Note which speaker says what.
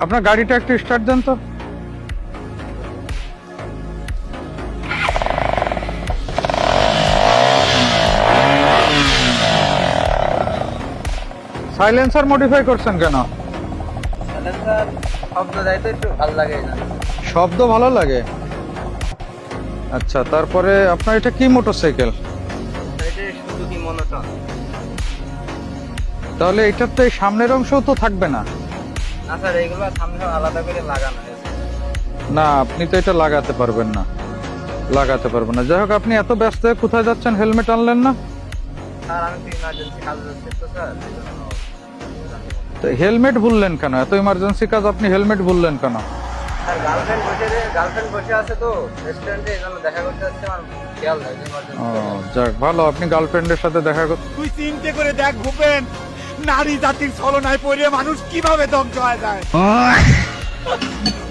Speaker 1: আপনার গাড়িটা একটু স্টার্ট দেন তো। সাইলেন্সার মডিফাই করছেন কেন?
Speaker 2: সাইলেন্সার শব্দ দেয় তো একটু ভালো লাগে না।
Speaker 1: শব্দ ভালো লাগে? আচ্ছা, তারপরে আপনার এটা কি মোটরসাইকেল?
Speaker 2: এটা শুধু কি মনোটন?
Speaker 1: তাহলে এটার তো এই সামনের অংশও তো থাকবে না।
Speaker 2: না স্যার, এইগুলো সামনে আলাদা করে লাগানো হয়েছে।
Speaker 1: না, আপনি তো এটা লাগাতে পারবেন না, লাগাতে পারবেন না। যাই হোক, আপনি এত ব্যস্ত হয়ে কোথায় যাচ্ছেন, হেলমেট আনলেন না?
Speaker 2: স্যার আমি তো ইমার্জেন্সি কাজে যাচ্ছি তো স্যার, এই জন্য।
Speaker 1: তো হেলমেট ভুললেন কেন? এত ইমার্জেন্সি কাজ, আপনি হেলমেট ভুললেন কেন?
Speaker 2: স্যার গার্লফ্রেন্ড বসে আছে তো রেস্টুরেন্টে, এই জন্য দেখা করতে যাচ্ছে, আমার খেয়াল নেই
Speaker 1: ও যাক, ভালো, আপনি গার্লফ্রেন্ডের সাথে দেখা করতে।
Speaker 3: তুই চিন্তা করে দেখ ভূপেন, নারী জাতির ছলনায় পড়ে মানুষ কিভাবে ধ্বংস হয়ে যায়।